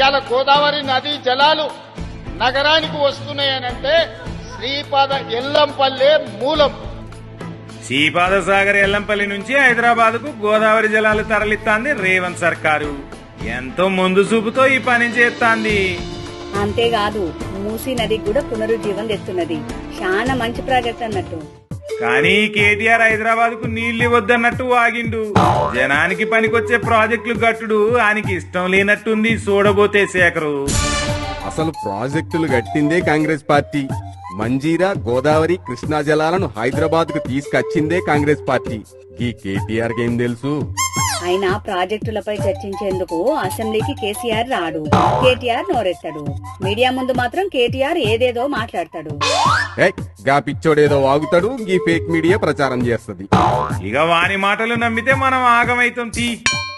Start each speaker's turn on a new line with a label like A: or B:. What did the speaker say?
A: ఇవాళ గోదావరి నదీ జలాలు నగరానికి వస్తున్నాయనంటే శ్రీపాద ఎల్లంపల్లె మూలం.
B: శ్రీపాద సాగర్ ఎల్లంపల్లి నుంచి హైదరాబాద్ కు గోదావరి జలాలు తరలిస్తాంది రేవంత్ సర్కారు. ఎంతో ముందు చూపుతో ఈ పని చేస్తాంది.
C: అంతేకాదు మూసీ నదికి కూడా పునరుజ్జీవం తెస్తున్నది. చాలా మంచి ప్రాజెక్ట్ అన్నట్టు.
B: కానీ కేటీఆర్ హైదరాబాద్ కు నీళ్లు ఇవ్వద్దన్నట్టు ఆగిండు. జనానికి పనికొచ్చే ప్రాజెక్టులు గట్టుడు ఆయనకి ఇష్టం లేనట్టుంది చూడబోతే శేఖరు.
D: అసలు ప్రాజెక్టులు గట్టిందే కాంగ్రెస్ పార్టీ. మంజీరా, గోదావరి, కృష్ణా జలాలను హైదరాబాద్ కు తీసుకొచ్చిందే కాంగ్రెస్ పార్టీ. ఈ కేటీఆర్ ఏం తెలుసు?
C: అయినా ప్రాజెక్టులపై చర్చించేందుకు అసెంబ్లీకి కేసీఆర్ రాడు, కేటీఆర్ నోరెత్తాడు. మీడియా ముందు మాత్రం కేటీఆర్ ఏదేదో మాట్లాడతాడు.
D: గా పిచ్చోడేదో వాగుతాడు, ఈ ఫేక్ మీడియా ప్రచారం చేస్తది.
B: ఇక వాని మాటలు నమ్మితే మనం ఆగమైతాం.